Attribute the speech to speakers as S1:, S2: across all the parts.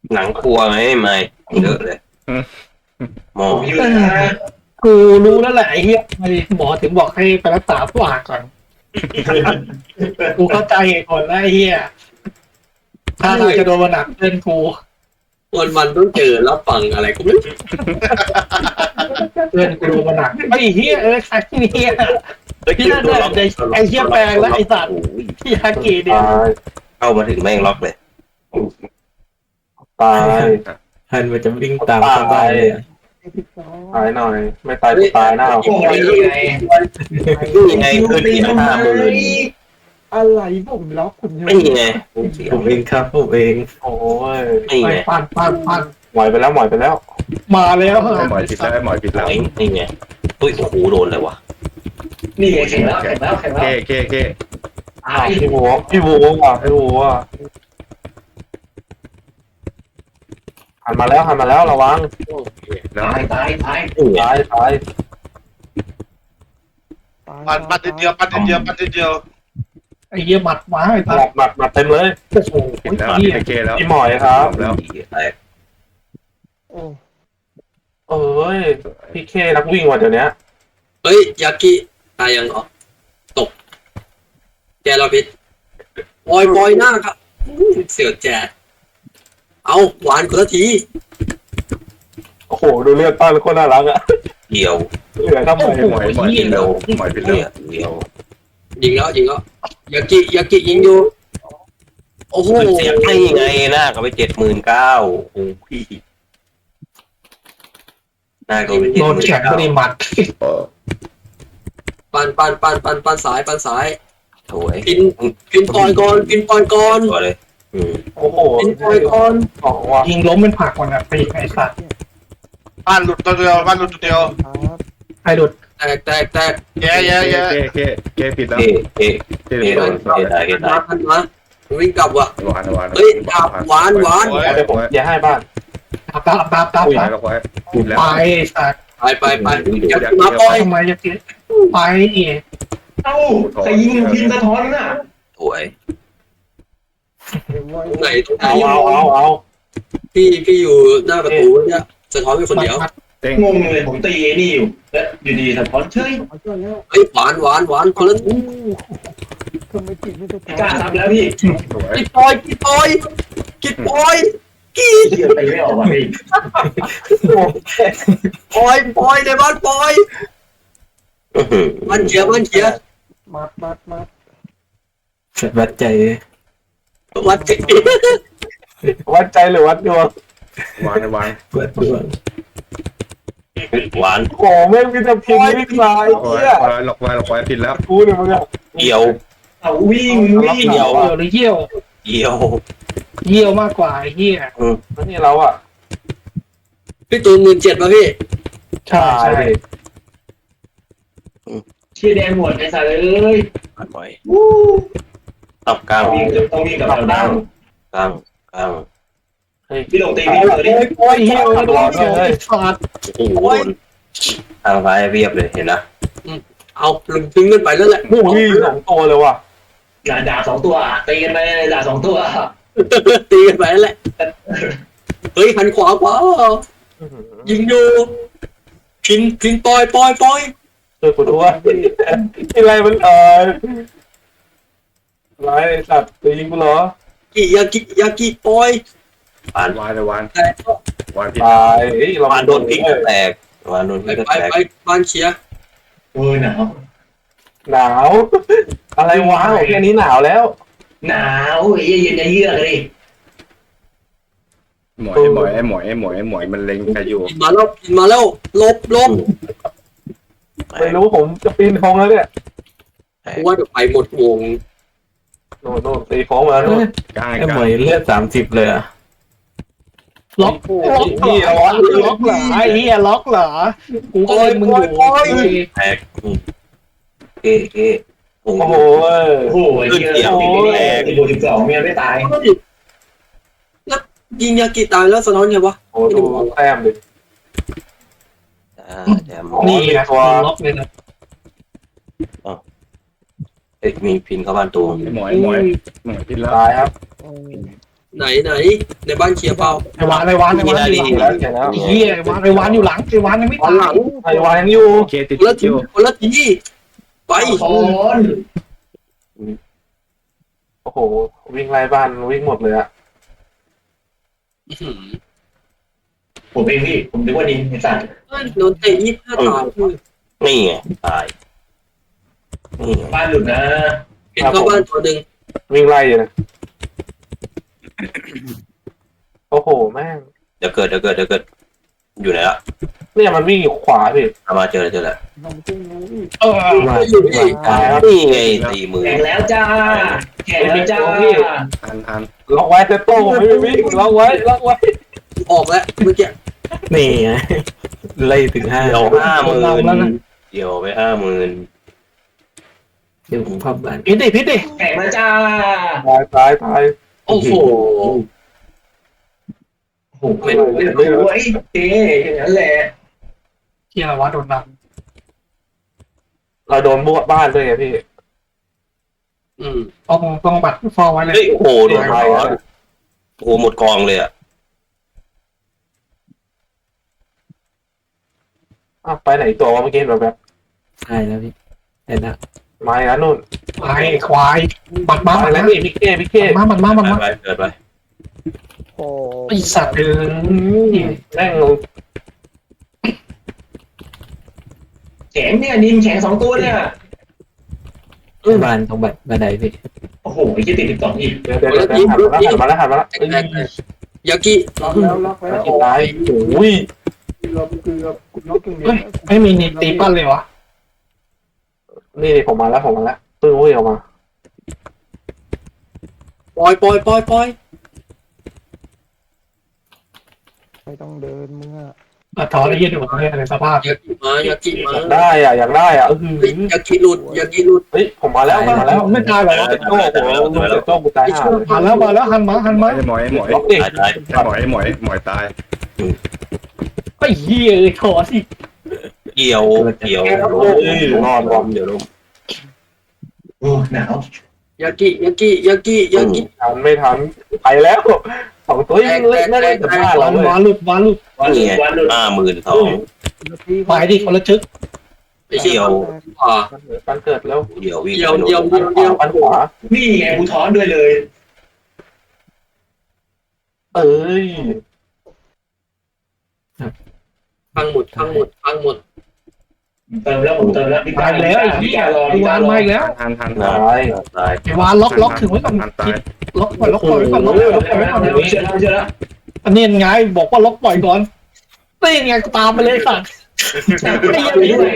S1: หนังครัวไหมไม่เยอะเลยหมอ
S2: ผมอยู่นะ
S3: กูรู้แล้วแหละไอ้เหี้ยทำไมหมอถึงบอกให้ไปรักษาปากก่อนกูเข้าใจเหตุผลแล้วไอ้เหี้ยถ้าทางจะโดนมาหนักเพื่อนกู
S4: วันต้องเจอรับฟังอะไรก็ไม่รู้
S3: เพื่อนกูโดนมาหนักไอ้เหี้ยใครเนี่ย
S1: ที่นั่นเนี่ย
S3: ไอ้เหี้ยแปลงแล้วไอ้สัตว์ที่ฮากีเนี่ย
S5: ตาย
S1: เข้ามาถึงแม่งล็อกเลย
S5: ตาย
S6: ฮันมันจะวิ่งตามเข้าบ้านเลยอะ
S5: ตายหน่อย ไม่ตายก็ตายหน้า
S2: โอ้ยไง
S1: นี่ไงคือเสีย50,000
S3: อะไรผมล็อกคุณ
S1: ไม่ไงเสีย
S6: ผมเองครับผมเอง
S5: โอ้ย
S1: ไม่
S3: ไป
S1: ไง
S3: ปั่น
S5: หมอยไปแล้วหมอยไปแล้ว
S3: มาแล้ว
S7: หมอยผิดแล้วหมอยผิดแล้ว
S1: นี่ไงอุ้ยโอ้โหโดนเลยวะ
S2: นี่แข็งแล้วแข็งแล้วแข็งแล้ว
S7: เก้
S2: ตาย
S5: พี่วัวว่ะพี่วัวหันมาแล้วระวัง
S7: แล้ว
S2: ตาย
S1: นี่ไง
S5: ตาย
S8: ปัดทีเดียว
S3: ไอ้เหี้ยหมัดมาไอ้
S5: ห
S3: สั
S5: มั
S3: ต
S5: ด
S3: ว์
S5: หมัดเต็มเลย
S3: โอ้โห
S7: ผิดแล้ว
S3: เหี้ย
S7: เก้แล้ว
S5: พี่หมอยครับ
S7: แล้ว
S1: แตก
S5: เอ้ยพี่เคนักวิ่งว่ะเดี๋ยวนี้
S4: เฮ้ยยากิตายยังเหรอตกแกเราพิษปล่อยหน้าครับเสียวแจกเอาหวานคนละที
S5: โอ้โหดูเลือดป้าเป็นคนน่ารักอะ
S1: เดียว
S5: เหลือทำไม
S7: หมอยผิดแล้วหมอยผิดแล้ว
S1: เนี่ยเดียว
S4: ยิงแล้วยากิยิงอยู่โอ้โห
S1: เสียไม่ไงหน้าก็ไป79,000โอ้พี่หน้าก็ไป
S3: โดนแข็งก็ดีหมัด
S4: ปันสาย
S1: สวย
S4: พินปล่อยก่อน
S1: ตัวเลยอืม
S5: โอ้โห
S4: พินปล่อยก่อน
S5: ของว่ะ
S3: ยิงล้มเป็นผักมันอ่ะไปไอ้สัตว์
S8: บ้านหลุดตัวเดียว
S3: ไอ้หลุด
S4: แตก
S8: แย่
S7: เก้ผิดแล้ว
S1: เอ๊ะ
S7: เก้
S1: เอ๊ะโดนเอ๊ะได้
S4: มาวิ่งกลับว่ะ
S7: หวาน
S4: เฮ้ยกลับหวาน
S5: เดี๋ยวผมอย่าให้บ้าน
S3: ตาม
S7: หวานกับไว้ผิดแล้ว
S3: ไปสัตว์
S4: ไปยากิมาปล่อย
S3: ทำไมจะเกิดไปอีก
S2: เอ้าใครยิงพินสะท้อนน่ะ
S1: สวย
S4: ตรงไหน
S5: เอา
S4: พี่อยู่หน้าประตูเนี่ยสะท้อนเป็นคนเดียว
S7: เต้ง
S2: งงเลยผมตีนี่อยู่แล้วอยู่ดีสะท้อนเฉย
S4: เฮ้ยหวานคนละ
S2: กล้าทำแล้วพี่
S7: สวย
S4: กิดปล่อยกี
S2: เหี้ยไปไม่ออกว่ะพี่
S4: ปล่อยในบ้านปล่อยมันเขีย
S3: มัด
S6: วัดใจ
S4: วัดจิต
S5: วัดใจหรือวัดดวง
S7: หวาน
S6: วัดดวง
S1: หวาน
S5: โอ้แม่งมีแต่พิมพ์วิ่งลาย
S7: หลอก
S5: เหี้ย
S7: ไว้ผิดแล้ว
S5: กูเนี่ยมึงอะ
S1: เดียว
S2: เอาวิ่ง
S3: เหี่ยวหรือเยี่ยว
S1: เดียว
S3: เยี่ยวมากกว่าไอ้เหี้ย
S5: แล้วนี่เราอะ
S4: พี่ตูน17,000ป่ะพี่
S3: ใช่
S5: ตายดิ
S2: เชี่ยแดงหมดไอ้สัตว์เอ้ย
S1: ผ่านบ่อยตับกลาง
S2: ต้องวิ่งกับเราดัง
S1: กลาง
S2: พี่ลงตีพี่เจอดิ
S3: โอ้ยเหี้ยวโดนสัตว์
S1: โอ้โหโดนทางซ้ายเรียบเลยเห็นนะ
S4: เอาลึงทิ้งกันไปแล้วแหละ
S5: โอ้ยสองตัวเลยว่ะ
S2: ด่า2 ตัวตีกันไปด่า2 ตัว
S4: ตีกันไปแล้วแหละเฮ้ยหันขวายิงอยู่พินปล่อย
S5: ช่วยกูด้วยอะไรมันอะไรสัตว์จะยิงกูเหรอย
S4: ากิปล่อย
S1: ผ่าน
S7: หวาน
S4: แต่ก็
S7: หวานผิด
S5: ตายเฮ้ยเรา
S1: ผ่านโดนพลิกก็แตกผ่านโดนพลิกก็แตก
S4: ไปบ้านเชียร์
S2: หนาว
S5: หนาว อะไรวะแค่นี้หนาวแล้ว
S2: หนาวเย็นจะเยือกเลย
S7: หมอยมันเล็งใครอยู่
S4: พินมาแล้วลบ
S5: ไม่รู้ผมจะปีนคลองแล้วเนี่ย
S4: กูว่าเดี๋ยวไปหมดวง
S5: โน่นตีโค้งมาโน่น
S7: กลาง
S6: ไอ้หมอยเลือด30เลยอ่ะ
S3: ล็อกเหรอไอ้เหี้ยล็อกเหรอกูก็เลยมึงอยู่
S1: แตกเอ๊ะโอ้
S5: โอ้
S1: โห
S5: โห
S2: โอ้โหเหี้ย12เมียไม่ตาย
S4: แล้วยิงยากิตายแล้วสะท้อนไงวะ
S5: โอ้ดูแต้มดิ
S1: แถม
S3: นี่นะล็อกเลยนะ
S1: มีพินเข้าบ้านตัว
S7: หมอยผิดแล้ว
S5: ตายครับ
S4: ไหนในบ้านเคลียร์เปล่า
S3: ไอ้วานอยู่หลัง
S5: แล้วเขียนแล้ว
S3: ไอ้เหี้ยไอ้วานอยู่หลังไอ้วานยังไม่
S4: ตอน
S3: ตา
S4: หลั
S3: ย
S4: ง
S5: ไอ้วายังอยู่
S7: เคติด
S4: คนละที
S7: อยู่
S4: คนละทีไป
S2: โอน
S5: โอ้โหวิ่งไล่บ้านวิ่งหมดเลยอะ
S4: อื้อหือ
S2: ผมเองพี่ผมนึกว่าดินไอ้สัตว์
S4: โดนเตะ25ตาย
S1: นี่ไงตายนี่ไง
S2: บ้านหลุดนะ
S4: เห็นเข้าบ้านตัวหนึ่ง
S5: วิ่งไล่อยู่นะโอ้โหแม่ง
S1: เดี๋ยวเกิดอยู่ไหนละ
S5: เนี่ยมันวิ่งอยู่ขวาพี่
S1: เอามาเจอแล้ว
S3: เออ
S6: ว่า
S4: อยู่นี่
S5: ตายแล้ว
S1: นี่ไงตีมือ
S2: แข่งแล้วจ้าแข่งแล้วจ้า
S7: ทัน
S5: ล็อกไว้เซตโต้ไม่วิ่งล็อกไว้
S4: ออกแล้วเมื่อกี้
S6: นี่ไงไล่ถึง5
S1: เดี๋ยว50,000เดี๋ยวไป50,000
S6: เดี๋ยวผมพับบ้าน
S3: พิษดิ
S2: แข่งแล้วจ้า
S5: ตาย
S4: โอ้โห
S2: โอ้โหไม่รู้ไอ้เจ๊อย่างนั้นแหละ
S3: เหี้ยอะไรวะโดนดัง
S5: เราโดนบวบ้านด้วยไงพี่
S3: ต้องบัตรฟอร์ไว้เลย
S1: เฮ้ยโอ้โหโดนร้อนโอ้โหหมดกองเลยอ่ะ
S5: ไปไหนตัววะเมื่อกี้แบบ
S6: ใช่แล้วพี่เห็นแล้ว
S5: มาอีกแล้วนู่น
S3: ไอ้ควายบัตรมา
S5: มา
S3: บัตร
S5: แล้ว
S3: มา
S5: พี่เก้พี่เก้
S3: บัตรมา
S1: ไปเกิดไป
S3: ไอ้สัตว์เออ
S5: แม่ง
S2: แข็งเนี่ยดินแข็ง2 ตัวเนี่ย
S6: บ้านตรงบันไดพี่
S2: โอ้โหไอ้ที่ติด12อีก
S5: เดี๋ยวหันมาแล้ว
S4: แตกยากิ
S5: ตายโอ้ย
S3: เฮ้ยไม่มีนิตีปั้นเลยวะ
S5: นี่ผมมาแล้วตึ้งวิ่งออกมา
S4: ปล่อย
S9: ไม่ต้องเดินมึงอะ
S3: ถอนไอ้เหี้ยดูผมเนี่ยในสภาพ
S4: ยากิมา
S5: อยากได้อ่ะอยากได้อ่ะ
S4: ยากิหลุด
S5: เฮ้ยผมมาแล้ว
S3: ไม่ตายหรอ
S5: เจ็ดโต้กูตายห่า
S3: มาแล้วหันมา
S7: ไอ้หมอย
S5: ล็อกดิ
S1: ตาย
S7: ไอ้หมอยตาย
S3: ไอ้เหี้ยถอนสิ
S1: เกี่ยว
S5: รอด
S1: เดี๋ยวลม
S2: โอ้หนาว
S4: ยากิ
S5: ไม่ทันไปแล้ว2 ตัวยังเล่นไม่ได้แต่บ้านเราเลยว
S3: านหลุด
S2: วันหลุดวันหลุด
S1: 52,000
S3: ไปดิคนละชึก
S4: ไอ้เชี่ยขวา
S5: การเกิดแล้ว
S1: เดี๋ยววิ่ง
S4: เดียว
S5: ปันขวา
S2: นี่ไงกูท้อนด้วยเลย
S5: เอ้ย
S4: พังหมด
S2: เติมแล้วผมเติมแล้วพี่
S3: ตายแล้วไอ้เหี้ยไอ้วานมาอีกแล้ว
S7: ทัน
S1: ตาย
S3: ไอ้วานล็อกถึงไว้ก่อน
S7: ตาย
S3: ล็อกปล่อยไว้ก่อนล็อกปล่อยไว้ก่อน
S2: เชื่อแล้ว
S3: อันนี้ไงบอกว่าล็อกปล่อยก่อนนี่ไงก็ตามไปเลยสัตว์ไอ้เหี้ย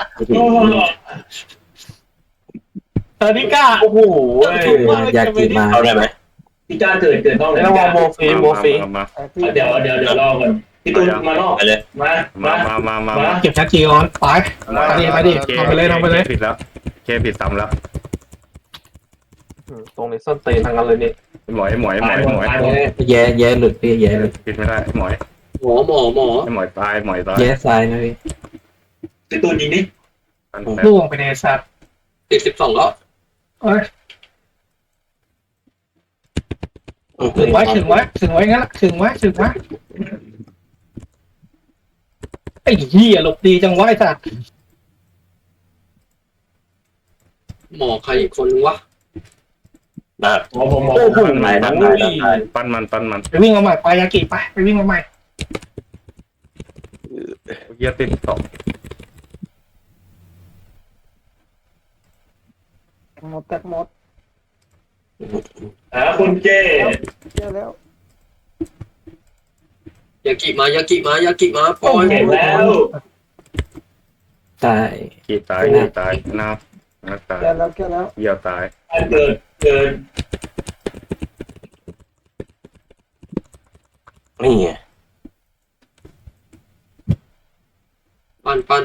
S3: เออนี่กล้า
S5: โอ้โห
S6: อยากกินมา
S1: เข้าได้ไหม
S2: พี่จ้าเกิดต้องเลย
S5: ระวังโมฟี
S7: มา
S2: เดี๋ยวรอก่อนพี่ตูนมานอก
S1: ไปเลย
S2: มา
S3: เก็บชักจีออนไปทำไปเลย
S7: ผิดแล้วเคผิดซ้ำแล้ว
S5: ตรงนี้ส้นตีนทางนั้นเลยนี่
S7: หมอย
S6: แย่หลุดพี่แย่หลุด
S7: ผิดไม่ได้หมอย
S4: หมอ
S7: หมอยตาย
S6: แย่ซ้ายนะพี่
S2: พี่ตูนยิงดิ
S3: ล่วงไปในสัตว์
S4: ติด12แล้ว
S3: ถึงไว้งั้นละถึงไว้ไอ้เหี้ยหลบดีจังไว้สัตว์
S4: หมอใครอีกคนวะ
S1: นะ
S2: ผม
S5: โอ้โห
S7: ปั้นมัน
S3: ไปวิ่งมาใหม่ไปยากิไปวิ่งมาใหม่
S7: เยียติด2
S9: แตกหมด
S2: คุณเจ้
S9: เจอแล้ว
S4: ยากิมาปล่อย
S2: เห็นแล้ว
S6: ตาย
S7: ขีดตายน้าตาย
S9: แกแล้ว
S7: เยี่ยวตาย
S2: เกิน
S1: นี่ไง
S4: ปั้นป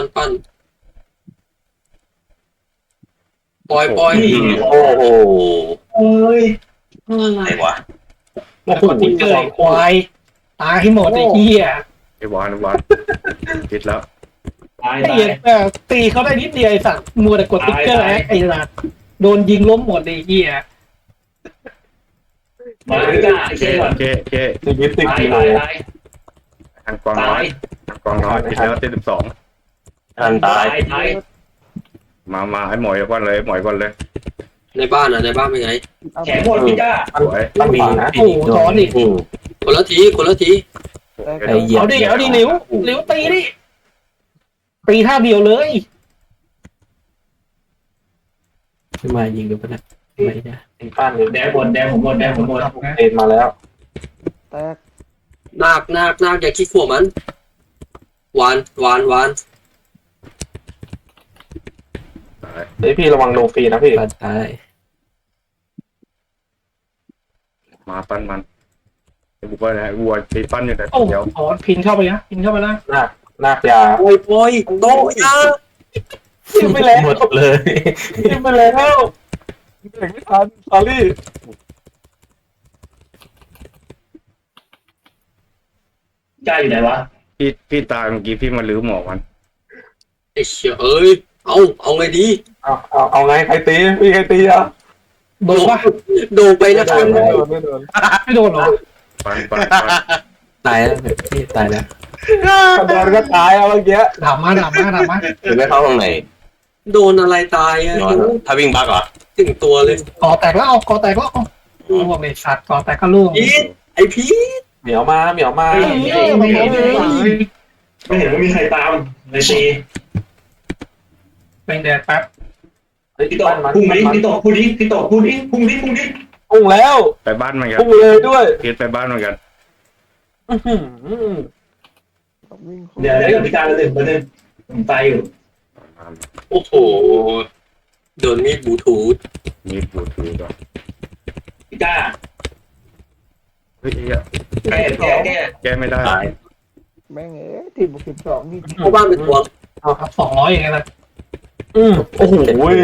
S4: ล่อย
S1: โอ้โห
S2: เอ้ย
S1: อะไรวะ
S3: โอ้โหติ๊กเกอร์ควายตายให้หมดไอ้เหี้ย
S7: ไอ้วานผิดแล้ว
S2: ตาย
S3: ไอ้เหี้ยตีเขาได้นิดเดียวไอ้สัตว์มัวแต่กดติ๊กเกอร์ไอ้สัตว์โดนยิงล้มหมดไอ้เหี้ย
S2: มาพี่ก้า
S7: โอเค
S2: เช็คก่อน
S7: โอเคโอเค
S5: ชีวิตติด
S2: ตาย
S5: อยู่
S2: ตายตาย
S7: ทางกองน้อยทางกองน้อยติดแล้วติด12
S1: ทันตาย
S2: ตาย
S7: มาให้หมอยก่อนเลยหมอยก่อนเลย
S4: ในบ้านอ่ะในบ้านเป็นไง
S2: แข็งหมดพี่ก้า
S7: สวย
S5: ตั้ง
S6: มี
S5: ป่านะ
S3: โอ้โหถอนอีก
S1: อืม
S4: คนละทีคนละที
S6: ไอ้เหยียบ
S3: เอาดิหลิวตีดิตีท่าเดียวเลย
S6: ขึ้นมายิงดูปะนะไม่ได้
S5: ตีป้านเลย
S2: แดงหมดแดงผมหมดแดงผมหมด
S5: เอ็นมาแล้ว
S9: แตก
S4: นาคอย่าขี้ขวมันหวาน
S7: ตาย
S5: เฮ้ยพี่ระวังโลฟรีนะพี่
S6: ปลาตาย
S7: มาปั้นมันบุกไปไหนวัวตีปั้นอยู่แต่
S3: โอ้
S7: เดียว
S3: ถอนพินเข้าไปนะพินเข้าไปนะ
S5: นาคยา
S4: ปอย โตยา
S5: ทิ้งไปแล้ว
S6: หมดเลย
S5: ทิ้งไปแล้วเด็กไม่ทันสอรี่
S2: ก้าอยู่ไหนวะ
S7: พี่ตายเมื่อกี้พี่มาลื้อหมอมัน
S4: ไอ้เชี่ยเอ้ยเอาไงดี
S5: เอาไงใครตีพี่ใครตีอ่ะ
S3: โดนปะ
S4: โดนไปนะค
S5: ไม่
S4: รับ
S5: โดนไม่โดน
S3: ไม่โดนหรอ
S7: ปั้น
S6: ตายแล้วพี่ตายแล้ว
S5: โดนก็ตายเอาเมื่อกี้
S3: ด่ามา
S1: หรือไม่เข้าข้างใน
S4: โดนอะไรตายอ่ะ
S1: นอนถ้าวิ่งบักเหรอ
S4: ถึงตัวเลย
S3: ก่อแตกแล้วเอาก่อแตกแล้วเอาว่าไม่สัตว์ก่อแตกก็ล่วง
S4: พีทไอ้พีท
S5: เหมียวมา
S3: ไม่เห็น
S2: ไม่เห็นว่ามีใครตามเลยตี
S3: เป็นแดดแป๊บ
S5: เฮ้ย
S2: พี่
S5: พี่
S2: โต
S5: ต้นมัน
S2: พุ่งนี้พี่โตพุ่งนี้พี่โตพุ่งนี้พุ่งนี้พุ่งนี้
S5: พุ่งแล้ว
S7: ไปบ้านมันกัน
S5: พุ่งเลยด้วย
S7: พีทไปบ้านมันกัน
S9: วิ่ง
S2: เดี๋ยวพี่ก้ามาหนึ่งผมตายอยู่
S4: โอ้โหโดนมีดบลูทูธ
S7: มีปูถือก่อน
S2: พี่ก้า
S7: เฮ้ย
S2: แก้
S7: ไม่ได้
S1: ตาย
S9: แม่งที่บุก12นี่
S4: เข้าบ้านเป็นตัว
S3: ครับ200อย่างเงี้ยนะ
S5: โอ้โห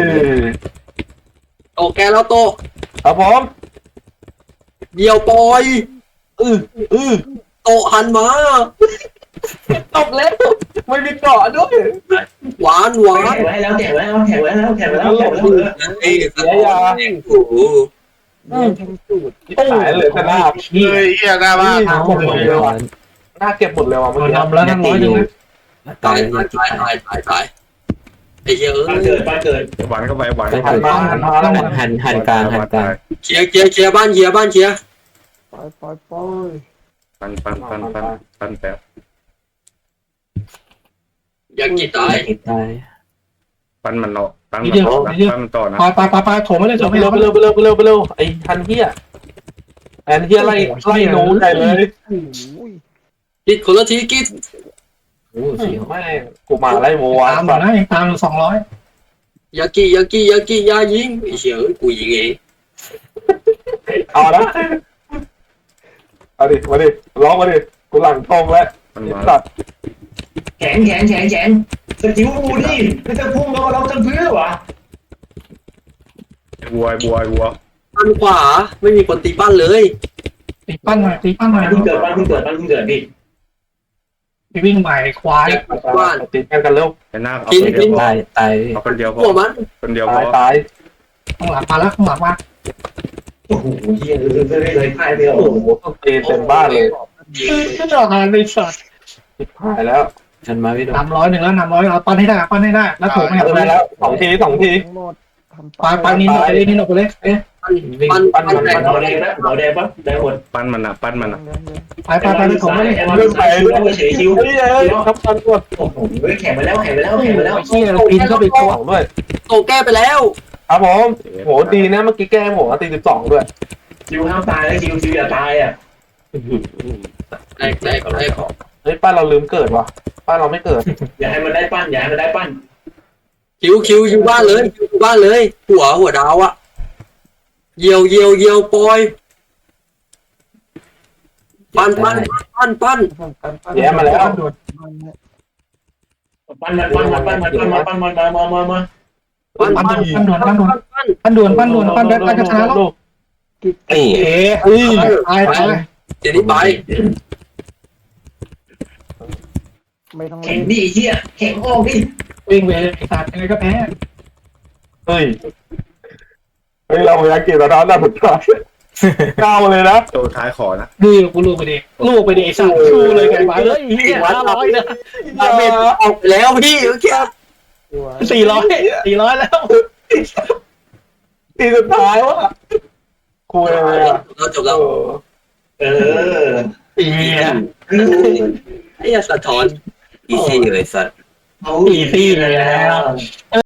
S4: โตแกแล้วโต
S5: ครับผม
S4: เดี่ยวปอย
S5: อือ
S4: โตหันมา
S5: ตบแล้วไม่มีเกาะด้วย
S4: หวาน
S2: แข่งไว้แล้วแข่งไว้แล้วแข่งไว้แล้วแข่งไว้แล้วแข่งไว้แล้ว
S4: ไอ้สะท้อนโอ้โห
S9: ทั้งสูตร
S5: ตายเลยแต่หน้า
S8: เฮ้ยเฮียหน้าบ้าน
S5: หมดเลยว่ะหน้าเก็บหมดเลยว่ะ
S3: โด
S5: เมื่อน กี้
S3: นำแล้วนั่งร้อยหนึ่งนะ
S4: ตายไอ้เหี้ยเอ้
S2: บ้าน
S4: ย
S2: เกิดบ้านเกิด
S7: หวานเข้าไปหวาน
S5: หันมาหันมาแล้ว
S6: หันกลางหันกลาง
S4: เคลียร์บ้านเคลียร์
S9: ปล่อย
S7: ปั้นแป๊บ
S4: อยากกี่ตาย
S6: ตาย
S7: ปั้นมันเนาะปั้นมันต่อนะ
S3: ไปโถไม่ได้โถไม่
S5: เร็
S3: ได้
S5: วไปเร็วไอ้ทันเฮียไล่หนูใหญ่เลย
S9: โอ้ย
S4: กิดคนละทีกิด
S6: โอ้เสียว
S5: แม่กูมาไล่โมวา
S3: ตามอยู่นะยังตามอยู่200
S4: ยากิยายิงไอ้เหี้ยกูยิงเอง
S5: เอาละเอาดิมาดิร้องมาดิกูหลังตรงแล้ว
S7: มัน
S5: ไอ้
S7: มา
S5: สัตว์
S2: แข็งสกิลกูดิไม่จะพุ่งแล้วเราจะพื้นวะ
S7: วัว
S4: บ้านขวาไม่มีคนตีบ้านเลย
S3: ตีปั้นหน่อย
S2: บ้านเพิ่งเกิดพี่
S3: ไปวิ่งใหม่ควาย
S5: ติดกันเร็ว
S7: ไอ้หน้าเอาคนเดียวพอ
S6: ตาย
S7: เอาคนเดียวพอ
S4: หัวมัน
S7: คนเดียวพอ
S5: ตาย
S3: ข้างหลังมาแล้วข้างหลังมา
S2: โอ้โหเฮียเลยพ่ายเดียว
S5: โอ้โหต้องตีเต็มบ้านเลย
S3: ก็จะหาในสัตว์
S5: หายแล้ว
S6: ฉันมาไม่โดน
S3: 300แล้ว300เอาปั้นให้ได้แล้วโถไม่
S5: ได้แล้ว2 ที
S9: ทั้งหมดทำ
S3: ไปนินออกไปเลยเอ๊ะ
S4: ปั้นแตก
S2: เบาแดงนะเบาแดงปะได้หมด
S7: ปั้นมันอ่ะ
S3: ไปโถไม่ได้
S2: เรื่องไปเรื่องเฉยคิว
S5: เฮ้ยทำกันหมด
S2: โอ้โหแข่งไปแล้ว
S3: เชี่ยพินเข้าไปคว
S5: ด้วย
S4: โตแก้ไปแล้ว
S5: ครับผมโหดีนะเมื่อกี้แก้ผมตี12ด้วย
S2: คิวห้ามตายแล้วคิวอย่าตายอ่ะ
S4: แตก
S5: เฮ้ยป้าเราลืมเกิดว่ะป้าเราไม่เกิด
S2: อย่าให้มันได้ปั้น
S4: คิวอยู่บ้านเลยหัวดาวอะเยียวปอยปั้น
S5: แย่มาแล้ว
S2: ปั้น
S3: ได้จะชนะแล้ว
S1: นี่
S3: เอ๊ะตาย
S4: เดี๋ยวนี้ไป
S9: ไม่ต้อง
S2: แข่งดิเฮียแข่งออกดิ
S3: วิ่งไปไอ้สัตว์ยังไงก็แพ้
S5: เฮ้ยเราอยากกินแล้วนะสุดท้ายเก้าเลยนะ
S7: ตัวท้ายขอนะ
S3: ดูกูลูกไปดิไอ้สัตว์ชูเลยไก่บ้าเลยเฮีย500นะ
S4: ดาเมจออกแล้วพี่เมื่อกี้
S3: 400แล้ว
S5: ทีสุดท้ายวะคุยเลยอ่ะ
S4: เราจบแล้ว
S2: เออ
S3: เฮีย
S4: ไอ้สะท้อน
S1: อีซี่เลยสัตว์
S2: เอา
S3: อีซี่เลยแล้ว